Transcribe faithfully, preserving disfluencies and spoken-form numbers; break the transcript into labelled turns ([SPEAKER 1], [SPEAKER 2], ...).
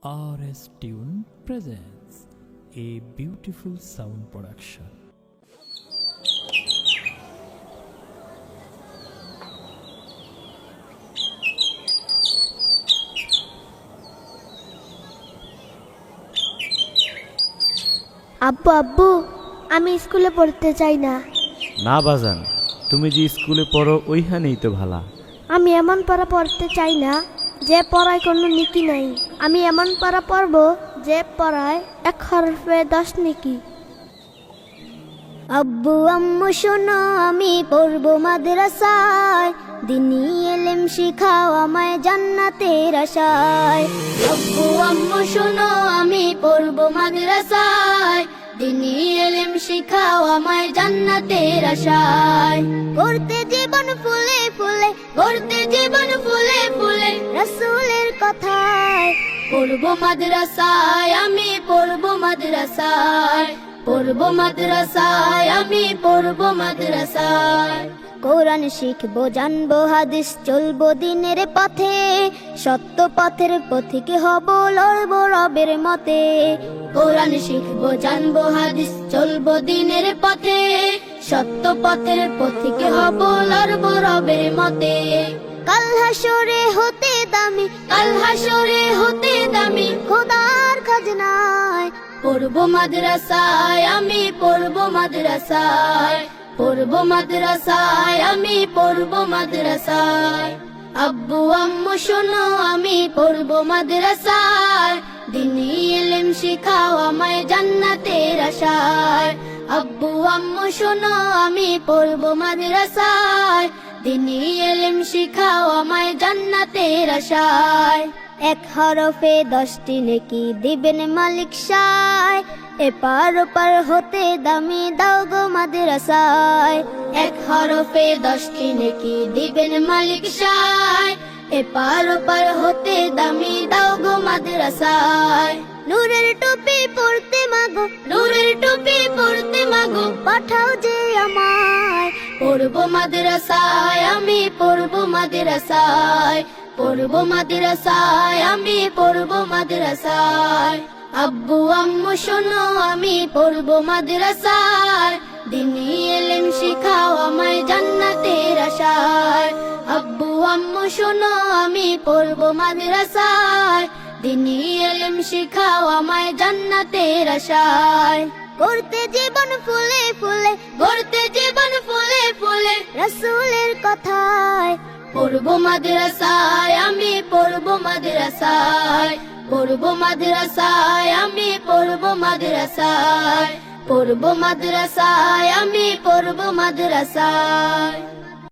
[SPEAKER 1] R S Tune presents a beautiful sound production.
[SPEAKER 2] আব্বু আব্বু আমি স্কুলে পড়তে চাই না।
[SPEAKER 3] না বাজান, তুমি যে স্কুলে পড়ো ওইখানেই তো ভালা।
[SPEAKER 2] আমি এমন পড়া পড়তে চাই না যে পড়ায় কোনো নীতি নাই। আমি এমন পড়া পড়ব যে পড়ায় এক হরফে দশ নেকি। আব্বু আম্মু শোনো আমি পড়ব মাদ্রাসায়, দিনী এলেম শিখাও আমায় জান্নাতের আশায়। আব্বু আম্মু শোনো আমি পড়ব মাদ্রাসায়, দিনী এলেম শিখাও আমায় জান্নাতের আশায়। করতে জীবন ফুলে ফুলে, করতে জীবন ফুলে ফুলে রাসূলের কথায়। পড়ব মাদ্রাসায় আমি পড়ব মাদ্রাসায়, পড়ব মাদ্রাসায় আমি পড়ব মাদ্রাসায়। কোরআন শিখবো জানবো হাদিস চলবো দিনের পথে, সত্য পথের পথিক হব লড়বো রবের মতে। কোরআন শিখবো জানবো হাদিস চলবো দিনের পথে, সত্য পথের পথিক হব লড়বো রবের মতে। কাল হাসরে হতে দামি, কাল হাসরে হতে দামি খোদার খাজনায়। পড়ব মাদ্রাসায় আমি পড়ব মাদ্রাসায়, পড়ব মাদ্রাসায় আমি পড়ব মাদ্রাসায়। আব্বু আম্মু শোনো আমি পড়ব মাদ্রাসায়, দিনী ইলম শিখাও আমায় জান্নাতের আশায়। আব্বু আম্মু শোনো আমি পড়ব মাদ্রাসায়, দিনী ইলম শিখাও আমায় জান্নাতের আশায়। এক হরফে দশটি নেকি দিবেন মালিক সায়, এপার ওপার হতে দামি দাও গো মাদ্রাসায়। এক হরফে দশটি নেকি দিবেন মালিক সায়, এপার ওপার হতে দামি দাও গো মাদ্রাসায়। নূরের টুপি পরতে মাগো, নূরের টুপি পরতে মাগো পাঠাও যে আমায়। পড়ব মাদ্রাসায় আমি পড়ব মাদ্রাসায়, পড়ব মাদ্রাসায় আমি পড়ব মাদ্রাসায়। আব্বু আম্মু শোনো আমি পড়ব মাদ্রাসায়, দিনী ইলম শিখাও আমায় জান্নাতের আশায়। আব্বু আম্মু শোনো আমি পড়ব মাদ্রাসায়, দিনী ইলম শিখাও আমায় জান্নাতের আশায়। করতে জীবন ফুলে ফুলে, করতে জীবন ফুলে ফুলে রাসূলের কথায়। পড়ব মাদ্রাসায় আমি পড়ব মাদ্রাসায়, পড়ব মাদ্রাসায় আমি পড়ব মাদ্রাসায়, পড়ব মাদ্রাসায় আমি পড়ব মাদ্রাসায়।